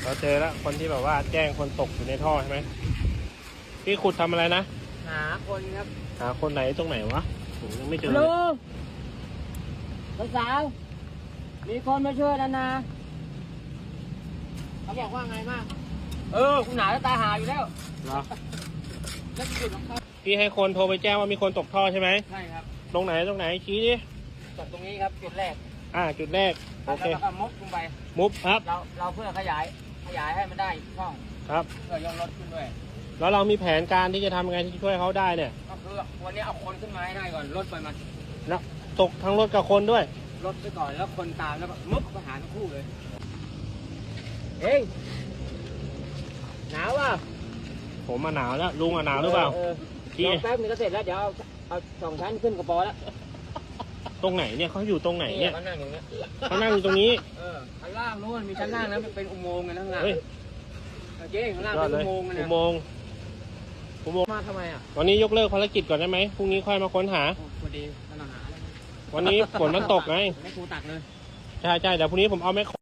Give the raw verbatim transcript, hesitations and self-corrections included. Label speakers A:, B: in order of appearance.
A: เราเจอแล้วคนที่แบบว่าแจ้งคนตกอยู่ในท่อใช่ไหมพี่ขุดทำอะไรนะ
B: หาคนครับ
A: หาคนไหนตรงไหนวะผมยังไม่เจอ
B: ลูกสาวมีคนมาช่วยแล้วนะเขาบอกว่าไงมากเออคุณหนาจะตายหาอยู่แล้ว
A: เหรอ
B: แล้วจุดของเขา
A: พี่ให้คนโทรไปแจ้งว่ามีคนตกท่อใช่ไหม
B: ใช่ครับ
A: ตรงไหนตรงไหนชี้ดิ
B: จุดตรงนี้ครับจุดแรก
A: อ่าจุดแรกโอเค
B: แล้วก็มุดลงไป
A: มุบครับ
B: เราเราเพื่อขยายขยายให้มันได้ช่อง
A: ครับ
B: เพื่อยกรถขึ้นด้วย
A: แล้วเรามีแผนการที่จะทำยังไงที่ช่วยเขาได้เนี่ย
B: ก็คือวันนี้เอาคนขึ้นมาให้ได้ก่อนรถไปมา
A: แล้วตกทั้งรถกับคนด้วย
B: รถไปก่อนแล้วคนตามแล้วก็มุดไปหาทั้งคู่เลยเฮ้ยหนาวป่ะ
A: ผมมาหนาวแล้วลุงอ่ะหนาวหรือเปล่า
B: ที่แป๊บนึงก็เสร็จแล้วเดี๋ยวเอาสองชั้นขึ้นกระป๋อแล้ว
A: ตรงไหนเนี่ยเขาอยู่ตรงไหนเนี่ย
B: เขานั่งอย่างเงี้ย
A: เขานั่งอยู่ตรงนี้
B: เออชั้นล่างนู้นมีชั้นล่างนะเป็นอุโมงค์กันข้างล่างเจ๊ข้างล่างเป็นอุโมงค์กันนะ
A: อุโมงค์อุโมงค์
B: มาทำไมอ่ะ
A: วันนี้ยกเลิกภารกิจก่อนได้ไหมพรุ่งนี้ค่อยมาค้นหา
B: พอดีกำลังหา
A: วันนี้ฝนมันตกไง
B: ไม่ครูตักเลย
A: ใช่ใช่เดี๋ยวพรุ่งนี้ผมเอาแม่